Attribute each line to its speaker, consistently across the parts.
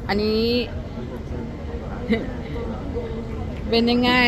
Speaker 1: อันนี้ เป็นยังไง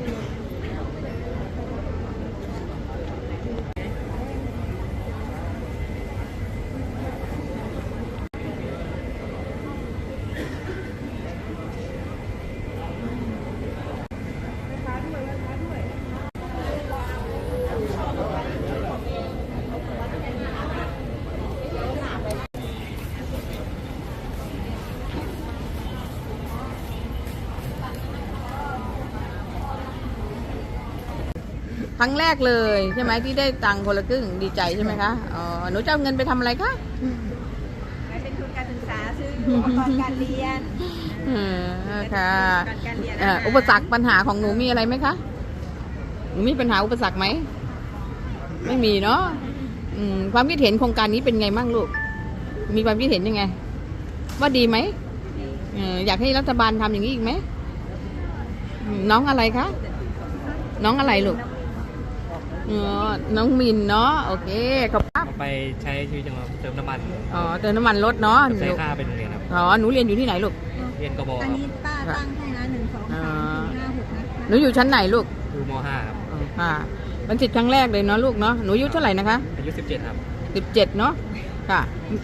Speaker 1: ครั้งแรกเลยใช่ไหมที่ได้ตังค์คนละครึ่งดีใจใช่ไหมคะอ๋อหนูจะเอาเงินไปทำอะไรคะ
Speaker 2: ไปเป็นทุนการศึกษาซื้ออุปกรณ์การเรียน
Speaker 1: ค่ะ
Speaker 2: การเรียน
Speaker 1: อุปสรรคปัญหาของหนูมีอะไรไหมคะหนูมีปัญหาอุปสรรคไหมไม่มีเนาะความคิดเห็นโครงการนี้เป็นไงบ้างลูกมีความคิดเห็นยังไงว่าดีไหมอยากให้รัฐบาลทำอย่างนี้อีกไหมน้องอะไรคะน้องอะไรลูกน้องมินเนาะโอเคขอบคุณ
Speaker 3: ไปใช้ชีวิตจังหวะเติมน้ำมัน
Speaker 1: เติมน้ำมันรถเนาะ
Speaker 3: ใช้ค่าเป็นโรงเรียนครับ
Speaker 1: หนูเรียนอยู่ที่ไหนลูก
Speaker 3: เรียนกบ
Speaker 2: อันนี้ป้าตั้งให้นะ1 2 3 4 5 6นะ
Speaker 1: หนูอยู่ชั้นไหนลูก
Speaker 3: อยู่ม.5 ครับ
Speaker 1: เป็นสิทธิ์ครั้งแรกเลยเนาะลูกเนาะหนูอายุเท่าไหร่นะคะ
Speaker 3: อายุ17ครับ
Speaker 1: 17เนาะค่ะ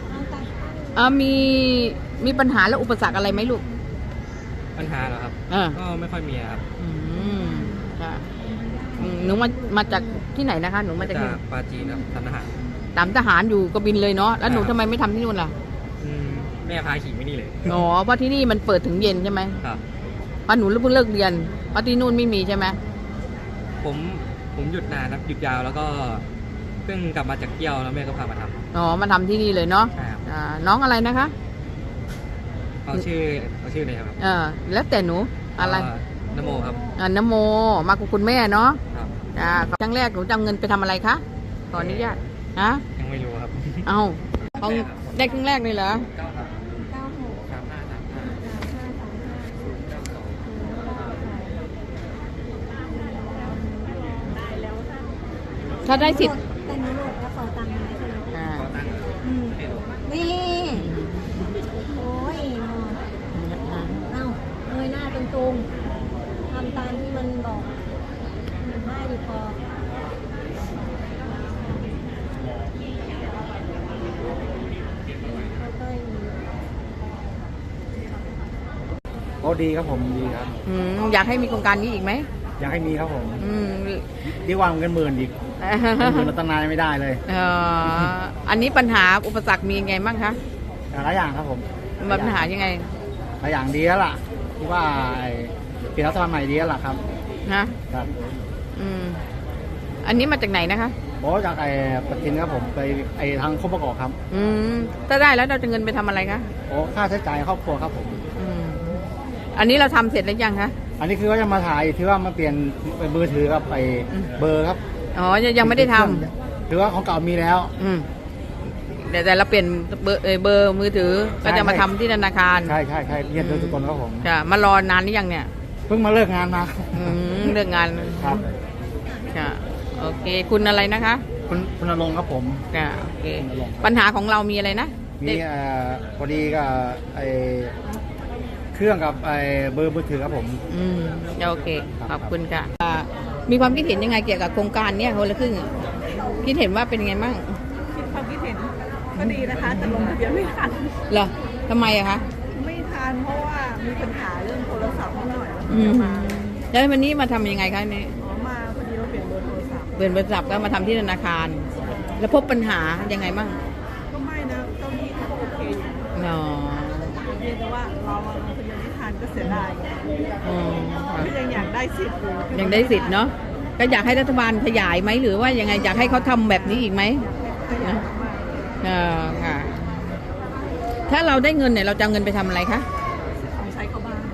Speaker 1: มีปัญหาและอุปสรรคอะไรไหมลูก
Speaker 3: ปัญหาเหรอครับก็ไม่ค่อยมีครับ
Speaker 1: ค่ะหนูมาจากที่ไหนนะคะหนูมาจาก
Speaker 3: ปาจีนครับทำทหาร
Speaker 1: ทหารอยู่กบินเลยเนาะแล้วหนูทำไมไม่ทำที่นู่นล่ะ
Speaker 3: แม่พาขี่ไม่นี่เลย
Speaker 1: เพราะที่นี่มันเปิดถึงเย็นใช่ไหม
Speaker 3: ครับ
Speaker 1: เพราะหนูเพิ่งเลิกเรียนเพราะที่นู่นไม่มีใช่ไหม
Speaker 3: ผมหยุดนานครับหยุดยาวแล้วก็เพิ่งกลับมาจากเที่ยวแล้วแม่ก็พามาท
Speaker 1: ำมาทำที่นี่เลยเนาะน้องอะไรนะคะ
Speaker 3: เอาชื่อเลยครับ
Speaker 1: แล้วแต่หนูอะไร
Speaker 3: นโมครับ
Speaker 1: นโมมากับคุณแม่เนาะครั้งแรกหนูจะเอาเงินไปทำอะไรคะขออนุญาต
Speaker 3: ยังไม่รู้ครับ
Speaker 1: เอาได้ครั้งแรกเลยเหรอถ้าได้สิทธิ์
Speaker 2: แต่หนูโหลดกระเป๋าตังค์มาใช่ไหมนี่โอ้ยเงยหน้าตรงๆทำตามที่มันบอกง่ายดีพอ
Speaker 4: ดีครับผมดีครับ
Speaker 1: อยากให้มีโครงการนี้อีกไหม
Speaker 4: อยากให้มีครับผมดีกว่าเงินหมื่นอีกเงินตั้งนานไม่ได้เลย
Speaker 1: อันนี้ปัญหาอุปสรรคมีไงบ้างคะ
Speaker 4: หลายอย่างครับผม
Speaker 1: ปัญหายังไง
Speaker 4: หลายอย่างดีแล้วล่ะที่ว่าเปลี่ยนรัฐบาลใหม่ดีแล้วล่ะครับ
Speaker 1: ครับอันนี้มาจากไหนนะคะ
Speaker 4: จากปฏิทินครับผมไปทางครอบครัวครับ
Speaker 1: ถ้าได้แล้วเราจะเงินไปทำอะไรคะ
Speaker 4: ค่าใช้จ่ายครอบครัวครับผม
Speaker 1: อันนี้เราทำเสร็จแล้วยังคะ
Speaker 4: อันนี้คือว่าจะมาถ่ายที่ว่ามาเปลี่ยนเป็นมือถือครับไปเบอร์ครับ
Speaker 1: ยังไม่ได้ทำ
Speaker 4: หรือว่าของเก่ามีแล้ว
Speaker 1: แต่เราเปลี่ยนเบอร์มือถือก็จะมาทำที่ธนาคาร
Speaker 4: ใช่เรียนโดยทุกคนครับผม
Speaker 1: มารอนานหรือยังเนี่ย
Speaker 4: เพิ่งมาเลิกงานมา
Speaker 1: เลิกงาน
Speaker 4: ครับ
Speaker 1: โอเคคุณอะไรนะคะ
Speaker 4: คุณณรงค์ครับผม
Speaker 1: โอเคปัญหาของเรามีอะไรนะ
Speaker 4: มีพอดีกับเครื่องกับเบอร์มือถือครับผม
Speaker 1: โอเคขอบคุณค่ะมีความคิดเห็นยังไงเกี่ยวกับโครงการนี้คนละครึ่งคิดเห็นว่าเป็นยังไงบ้าง
Speaker 2: ความคิดเห็นก็ดีนะคะแต่ลงทะเบียนไม่ทัน
Speaker 1: เหรอทำไมอะคะ
Speaker 2: ไม่ทันเพราะว่ามีปัญหาเรื่องโทรศัพท์นิดหน่อย
Speaker 1: แล้ววันนี้มาทำยังไงคะนี่
Speaker 2: มาพอดีเราเปลี่ยนเบอร์โทรศัพท์
Speaker 1: ก็มาทำที่ธนาคารแล้วพบปัญหายังไงบ้าง
Speaker 2: ก็ไม่นะเจ้าหนี้เขาโอเคอยู่เพียงแต่ว่าเราลงทะเบียนไม่ทันก็เสียดายก็ยังอยากได้สิทธิ์อยู่
Speaker 1: ยังได้สิทธิ์เนาะก็อยากให้รัฐบาลขยายไหมหรือว่ายังไงอยากให้เขาทำแบบนี้อีกไหมค่ะถ้าเราได้เงินเนี่ยเราจะเอาเงินไปทำอะไรคะ
Speaker 2: ของใช้เข้าบ้าน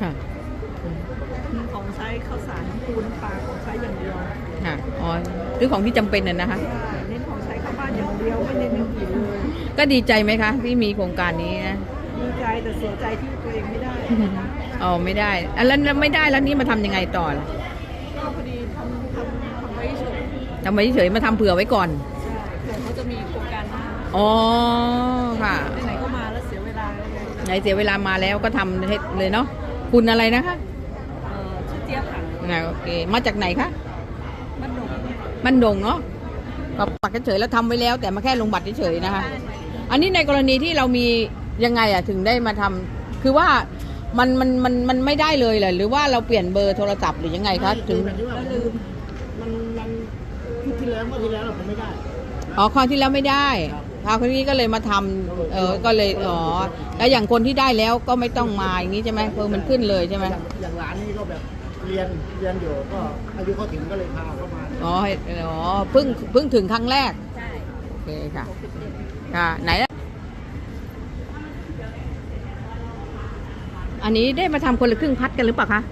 Speaker 2: ของใช้ข้าวสารปูนปลาของใช้อย่างเดียว
Speaker 1: คือของที่จำเป็นน่ะนะคะ
Speaker 2: เน้นของใช้เข้าบ้านอย่างเดียวไม่เน้นอย่างอื่นเลย
Speaker 1: ก็ดีใจไหมคะที่มีโครงการนี้นะ
Speaker 2: ดีใจแต่เสียใจที่ตัวเองไม่ได้
Speaker 1: ไม่ได้แล้วไม่ได้แล้วนี่มาทำยังไงต่อล่ะ
Speaker 2: ก็พอดีทำไว้เฉย
Speaker 1: มาทำเผื่อไว้ก่อน
Speaker 2: เผื่อเขาจะมีโครงการหน้า
Speaker 1: ค่ะ
Speaker 2: ไหนก็มาแล้วเสียเวลา
Speaker 1: ไหนเสียเวลามาแล้วก็ทำให้เลยเนาะคุณอะไรนะคะ
Speaker 2: ชื่อเจี๊ยบค่ะ
Speaker 1: โอเคมาจากไหนคะ
Speaker 2: มันหนุก
Speaker 1: บ้านดงเนาะก็ปักเฉยๆแล้วทำไว้แล้ว แต่มาแค่ลงบัตรเฉยๆนะคะ อันนี้ในกรณีที่เรามียังไงอะถึงได้มาทำคือว่ามันไม่ได้เลยเหรอหรือว่าเราเปลี่ยนเบอร์โทรศัพท์หรือยังไงคะถึง
Speaker 4: แบบที่ว่ามันที่ที่แล้วเมื่อที่แล้วผมไม่ได้
Speaker 1: อ๋อคราวที่แล้วไม่ได้คราวนี้ก็เลยมาทำก็เลยอ๋อแล้วอย่างคนที่ได้แล้วก็ไม่ต้องมาอย่างนี้ใช่ไหมมันขึ้นเลยใช่ไหม
Speaker 4: อย่างร้านนี้ก็แบบเรียนอยู่ก็อายุเขาถึงก็เลยพาเข้ามา
Speaker 1: อ๋อเพิ่งถึงครั้งแรก
Speaker 2: ใช่
Speaker 1: โอเคค่ะค่ะไหนล่ะอันนี้ได้มาทำคนละครึ่งพัดกันหรือเปล่าคะ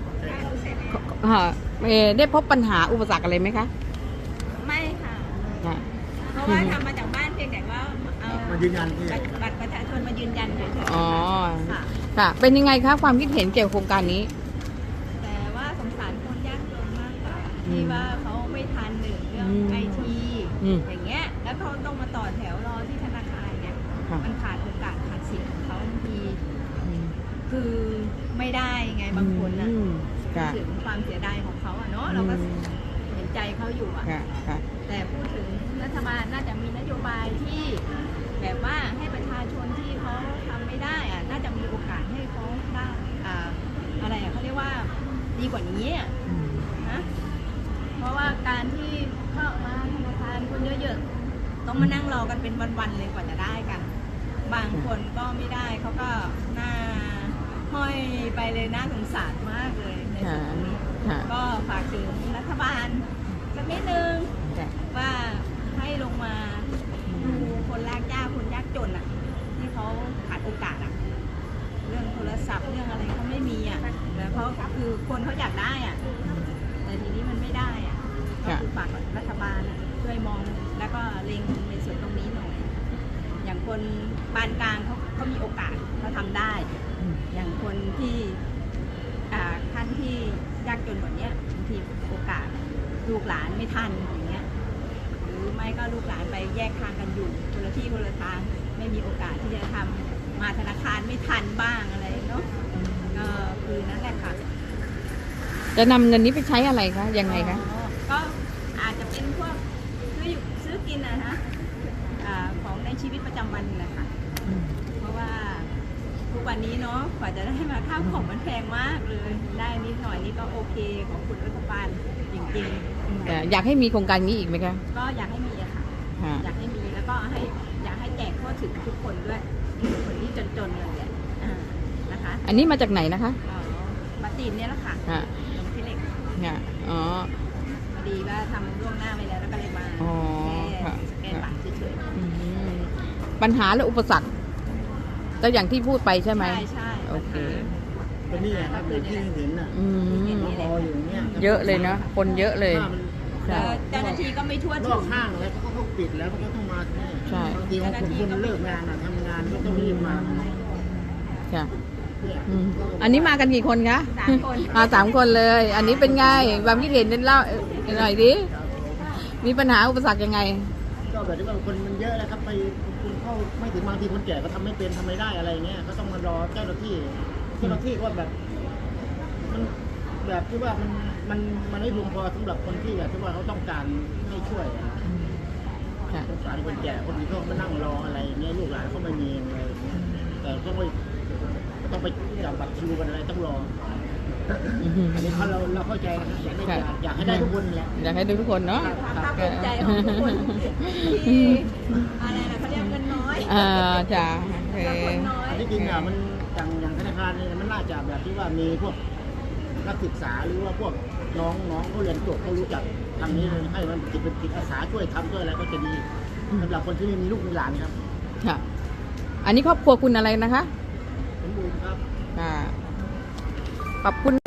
Speaker 1: ได้พบปัญหาอุปสรรคอะไรไหมคะ
Speaker 2: ไม่ค่ะ
Speaker 1: ค่ะ
Speaker 2: เพราะว่าทำมาจากบ้านเพียงแต่ว่าเอา
Speaker 4: มายืนยันที่
Speaker 2: บัตรประชาชนมายืนยันเฉย
Speaker 1: อ๋อ
Speaker 2: ๆค่ะ
Speaker 1: ค่ะ เป็นยังไงคะความคิดเห็นเกี่ยวกับโครงการนี้
Speaker 2: แต่ว่าสงสารคนยากจนมากกว่าที่ว่าเขาไม่ทันหนึ่งเรื่องไอที อย่างเงี้ยแล้วเขาต้องมาต่อแถวรอที่ธนาคารเนี่ย
Speaker 1: ค่ะ
Speaker 2: มันขาดโอกาสขาดสิทธิ์ของเขาบางทีคือไม่ได้ไงบางคนนะ
Speaker 1: ค่ะ
Speaker 2: ถึงความเสียดายของเขาอะเนาะเราก็เห็นใจเขาอยู่อะ
Speaker 1: ค่ะค่ะ
Speaker 2: แต่พูดถึงรัฐบาลน่าจะมีนโยบายที่แบบว่าให้ประชาชนที่เขาทำไม่ได้อะน่าจะมีโอกาสให้เขาได้อะไรอะเขาเรียกว่าดีกว่านี้อะนะเพราะว่าการที่เข้ามาธนาคารคนเยอะๆต้องมานั่งรอกันเป็นวันๆเลยกว่าจะได้กัน บางคนก็ไม่ได้เขาก็หน้าห้อยไปเลยน่าสงสารมากเลยในส่วนตรงนี้
Speaker 1: ค่ะ
Speaker 2: ก็ฝากถึงรัฐบาลสักนิดนึง
Speaker 1: ค่ะ
Speaker 2: ว่าให้ลงมาดูคนลากยากคนยากจนอ่ะ ที่เขาขาดโอกาสอ่ะ เรื่องโทรศัพท์เรื่องอะไรเขาไม่มีอ่ะแล้วเขาคือคนเขาอยากได้อ่ะ แต่ทีนี้มันไม่ได้อ่ะก็คือฝากรัฐบาลอะช่วยมองแล้วก็เล็งในส่วนตรงนี้หน่อย อย่างคนปานกลางเขามีโอกาสเขาทำได้ อย่างคนที่ขั้นที่ยากจนกว่านี้บางทีโอกาสลูกหลานไม่ทันอย่างเงี้ยหรือไม่ก็ลูกหลานไปแยกทางกันอยู่คนละที่คนละทางไม่มีโอกาสที่จะทำมาธนาคารไม่ทันบ้างอะไรเนาะก็คือนั่นแหละค่ะ
Speaker 1: จะนำเงินนี้ไปใช้อะไรคะยังไงคะ
Speaker 2: ก็อาจจะเป็นพวกซื้อกินนะฮะของในชีวิตประจำวันนะคะ เพราะว่าทุกวันนี้เนาะกว่าจะได้มาข้าวของมันแพงมากเลย ได้นิดหน่อยนี่ก็โอเคของคุณรัฐบาลจริงๆ
Speaker 1: แต่อยากให้มีโครงการนี้อีกไหมคะ
Speaker 2: ก็อยากให้มีอะค่ะ
Speaker 1: ค่ะ
Speaker 2: อยากให้มีแล้วก็อยากให้แจกทั่วถึงทุกคนด้วยคนที่จนๆเลยแหละนะคะ
Speaker 1: อันนี้มาจากไหนนะคะ
Speaker 2: มาตีนเนี่ยแหละค่ะ
Speaker 1: ค่ะ
Speaker 2: ลงที่เหล็ก
Speaker 1: ค่ะอ๋อ
Speaker 2: พอดีว่าทำล่วงหน้าไปแล้วแล้วก็เลยมา
Speaker 1: อ๋อ
Speaker 2: แค่
Speaker 1: ค่ะ
Speaker 2: สแกนบัตรเฉย
Speaker 1: อืมปัญหาและอุปสรรคก็อย่างที่พูดไปใช่ไหม
Speaker 2: ใช่
Speaker 1: โอเค
Speaker 4: เป็นนี่ครับเป็นที่เห็นน่ะ
Speaker 1: อืม
Speaker 4: รออยู่เนี่ย
Speaker 1: เยอะเลยนะคนเยอะเลย
Speaker 2: แล้วเจ้าหน้าที่ก็ไม่ทั่วน ถึ
Speaker 4: อง กห้างแล้วเขาก็ปิดแล้วเขาก็ต้องมาที่นี่
Speaker 1: ใช่
Speaker 4: บางทีบางคนเลิกงานทำงานก็ต้องรีบมา
Speaker 1: ค่ะ
Speaker 4: เนี่ย
Speaker 1: อืมอันนี้มากันกี่คนคะ
Speaker 2: 3 คน
Speaker 1: มา3 คนเลย อันนี้เป็นไงความคิดเห็นเล่าหน่อยดิมีปัญหาอุปสรรคยังไง
Speaker 4: ก็แบบที่ว่าคนมันเยอะแล้วครับไปคุณเข้าไม่ถึงบางทีคนแก่ก็ทำไม่เป็นทำไม่ได้อะไรเงี้ยก็ต้องมารอเจ้าหน้าที่ก็แบบมันแบบที่ว่ามันไม่เพียงพอสำหรับคนที่แบบที่ว่าเขาต้องการให้ช่วยอะ
Speaker 1: ค่ะ
Speaker 4: สงสารคนแก่คนนี้เขามานั่งรออะไรเงี้ยลูกหลานเขาไม่มีอะไรเงี้ยแต่ต้องไปจับบัตรคิวกันอะไรต้องรออันนี้เราเข้าใจนะครับอยากให้ได้ทุกคนแหละ
Speaker 1: อยากให้ดูทุกคนเนาะ
Speaker 2: ความภาคภูมิใจของทุกคนที่อะไรนะเขาเรียกเงินน้อย
Speaker 1: จ้ะโอเค
Speaker 2: คนน้อย
Speaker 4: อันที่จริงอ่ะมันอย่างธนาคารเนี่ยมันน่าจะแบบที่ว่ามีพวกนักศึกษาหรือว่าพวกน้องเขาเรียนจบเขารู้จักทางนี้เลยให้มันเป็นจิตอาสาช่วยทำช่วยอะไรก็จะดีสำหรับคนที่ไม่มีลูกมีหลานครับ
Speaker 1: ค่ะ อันนี้ครอบครัวคุณอะไรนะคะ
Speaker 4: สมบูรณ์ครับ
Speaker 1: ค่ะขอบคุณ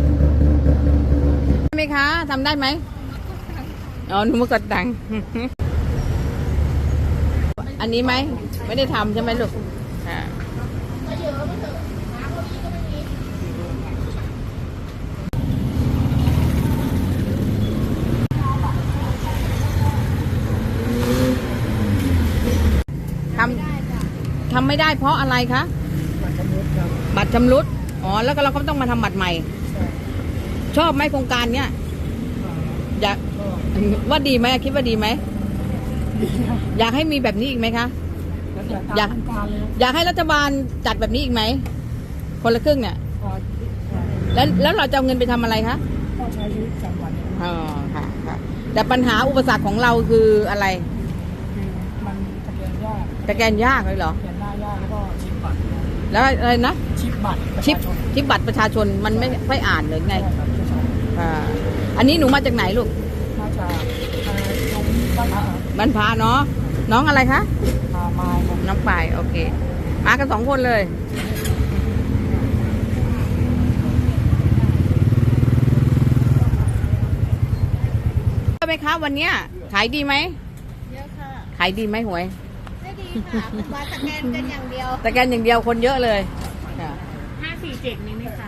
Speaker 1: ได้ไหมคะทำได้ไหมอ๋อหนูมากดตังค์ อันนี้ไหมไม่ได้ทำใช่ไหมลูกค่ะทำไม่ได้เพราะอะไรคะ
Speaker 4: บัตรประมูล
Speaker 1: ชำรุดอ๋อแล้วก็เราก็ต้องมาทำบัตรใหม่ ชอบไหมโครงการเนี้ยอยากว่าดีไหมคิดว่าดีไหมอยากให้มีแบบนี้อีกไหมคะอยากอยากให้รัฐบาลจัดแบบนี้อีกไหมคนละครึ่งเนี่ยแล้วเราจะเอาเงินไปทำอะไรคะ
Speaker 4: ก็ใช้ชีวิตประจำวัน
Speaker 1: อ๋อค่ะค่ะแต่ปัญหาอุปสรรคของเราคืออะไร
Speaker 4: มันสแกนยาก
Speaker 1: สแกนยากเลยเหรอ
Speaker 4: สแกนหน้ายากแล้วก็ชิปบัตร
Speaker 1: แล้วอะไรนะ
Speaker 4: ชิปบัตร
Speaker 1: ชิปบัตรประชาชนมันไม่อ่านเลยไงอ่าอันนี้หนูมาจากไหนลูก
Speaker 4: มาจากตรงบ้าน
Speaker 1: บ้านพาเนาะน้องอะไรคะ
Speaker 4: มาครับ
Speaker 1: น้องปายโอเค มากัน2 คนเลยไหมคะวันเนี้ยขายดีไหม
Speaker 2: เยอะค่ะ
Speaker 1: ขายดีไหมหวย
Speaker 2: ไม่ดีค่ะมาสแกนกันอย่างเดียว
Speaker 1: แต่แกนอย่างเดียวคนเยอะเลยค่ะ
Speaker 2: 547มีไหมคะ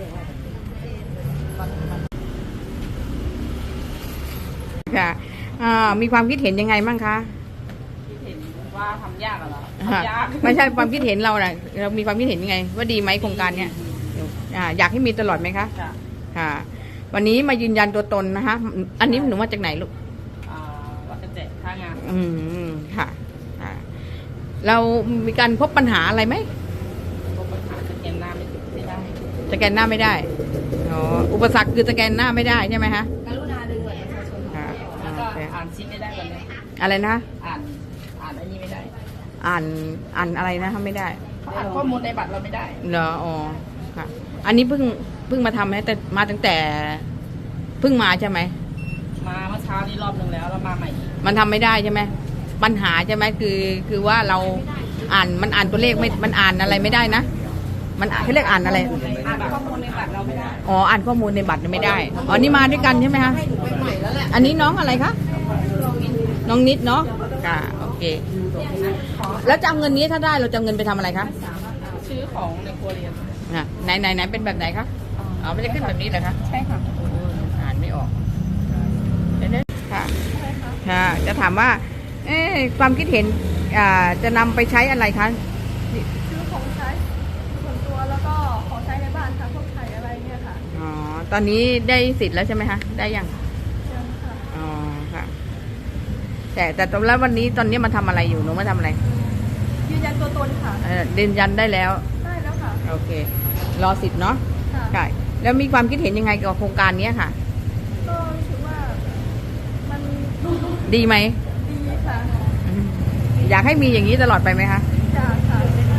Speaker 1: ค่ะมีความคิดเห็นยังไงบ้างคะ
Speaker 5: เห็นว่าทำยากเหรอ
Speaker 1: ไม่ใช่ความคิดเห็นเราน่ะเรามีความคิดเห็นยังไง ว่าดีไหมโครงการเนี้ยอยากให้มีตลอดไหมคะ
Speaker 5: ค่ะ
Speaker 1: ค่ะ วันนี้มายืนยันตัวตนนะคะอันนี้หนูมาจากไหนลูก
Speaker 5: วัดกระเจ็ดท่างาน
Speaker 1: ค่ะค่ะเรามีการพบปัญหาอะไรไหม
Speaker 5: พบปัญหาสแกนหน้าไม่ได้
Speaker 1: สแกนหน้าไม่ได้อ๋ออุปสรรคคือสแกนหน้าไม่ได้ใช่ไหมคะ
Speaker 2: กรุณาดึงบัตรประชาชน
Speaker 1: ค่ะ
Speaker 5: แล้วก็
Speaker 1: โอเค
Speaker 5: อ่านซิปไม่ได้แบบนี้
Speaker 1: อะไรนะ
Speaker 5: อ่านอันนี้ไม่ได้
Speaker 1: อ่านอะไรนะทำไม่ได้
Speaker 5: อ่านข้อมูลในบัตรเราไม่ได้
Speaker 1: เหรออ๋อค่ะ อันนี้เพิ่งมาทำไหมแต่มาตั้งแต่เพิ่งมาใช่ไหม
Speaker 5: มาเมื่อเช้านี้รอบนึงแล้วมาใหม่อีก
Speaker 1: มันทำไม่ได้ใช่ไหมปัญหาใช่ไหมคือว่าเรามันอ่านตัวเลขไม่มันอ่านอะไรไม่ได้นะมันเขาเรียกอ่านอะไร
Speaker 5: อ่านข้อมูลในบัตรเราไม่ได้
Speaker 1: อ๋ออ่านข้อมูลในบัตรไม่ได้อ๋อนี่มาด้วยกันใช่ไหมคะอันนี้น้องอะไรคะน้องนิดเนาะค่ะโอเค แล้วจะเอาเงินนี้ถ้าได้เราจะเอาเงินไปทำอะไรคะ
Speaker 5: ชื่อของในครัวเรือน
Speaker 1: ไหนเป็นแบบไหนคะอ๋อไม่ได้ขึ้นแบบนี้เหรอคะ
Speaker 5: ใช่ค่ะ
Speaker 1: อ่านไม่ออกเดี๋ยวๆค่ะค่ะ จะถามว่า ความคิดเห็นจะนำไปใช้อะไรคะ
Speaker 6: ซื้อของใช้ส่วนตัวแล้วก็ของใช้ในบ้านค่ะพวกไข่อะไรเนี่ยค่ะ
Speaker 1: อ๋อ ตอนนี้ได้สิทธิ์แล้วใช่ไหมคะ ได้ยัง
Speaker 6: ยังค่ะ
Speaker 1: อ๋อ ค่ะ แต่ตอนแล้ววันนี้ตอนนี้มาทำอะไรอยู่ หนูมาทำอะไร
Speaker 6: ยืนยันตัวตนค่ะ
Speaker 1: ยืนยันได้แล้ว
Speaker 6: ได้แล้วค่ะ
Speaker 1: โอเค รอสิทธิ์เนาะ
Speaker 6: ค่ะ
Speaker 1: ใช่แล้วมีความคิดเห็นยังไงกับโครงการนี้ค่ะ
Speaker 6: ก็รู้สึกว่ามัน
Speaker 1: ดีไหม
Speaker 6: ดีค่ะ
Speaker 1: อืมอยากให้มีอย่างนี้ตลอดไปไหมคะ
Speaker 6: จ้าค่ะ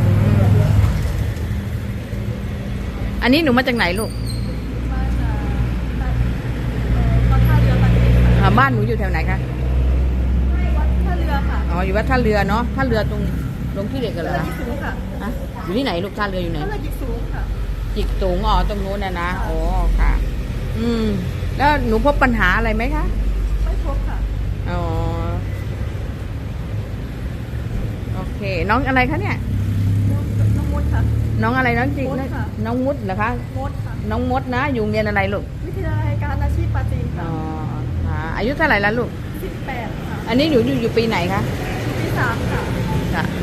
Speaker 1: อันนี้หนูมาจากไหนลูก
Speaker 6: มาจากวัดท่าเรือปันติค่ะ
Speaker 1: บ้านหนูอยู่แถวไหนคะ
Speaker 6: วัดท่าเรือค่ะ
Speaker 1: อ๋อ อยู่วัดท่าเรือเนาะ ท่าเรือตรงที่เด็กกันเหรอ
Speaker 6: เรือ
Speaker 1: คะ
Speaker 6: จิกสูงค่ะ
Speaker 1: ฮะอยู่ที่ไหนลูก ท่าเรืออยู่ไหน
Speaker 6: ท่าเรือจิกสูงค่ะ
Speaker 1: จิกสูงอ๋อตรงนู้นนะโอ้ค่ะ แล้วหนูพบปัญหาอะไรไหมคะ
Speaker 6: ไม่พบค่ะ
Speaker 1: อ๋อ โอเค น้องอะไรคะเนี่ย
Speaker 6: น้องมดค่ะ
Speaker 1: น้องอะไรน้องจิก
Speaker 6: มดค่ะ
Speaker 1: น้องมุดเหรอคะ
Speaker 6: มดค่ะ
Speaker 1: น้องมดนะ อยู่โรงเรียนอะไรลูก
Speaker 6: วิทยาลัยการอาชีพปราจีน
Speaker 1: อ๋
Speaker 6: ค่ะ
Speaker 1: อค่ะอายุเท่าไหร่แล้วลูก
Speaker 6: 18ค่ะ
Speaker 1: อันนี้หนูอยู่ปีไหนคะ
Speaker 6: ที่3ค่ะ
Speaker 1: ค่ะ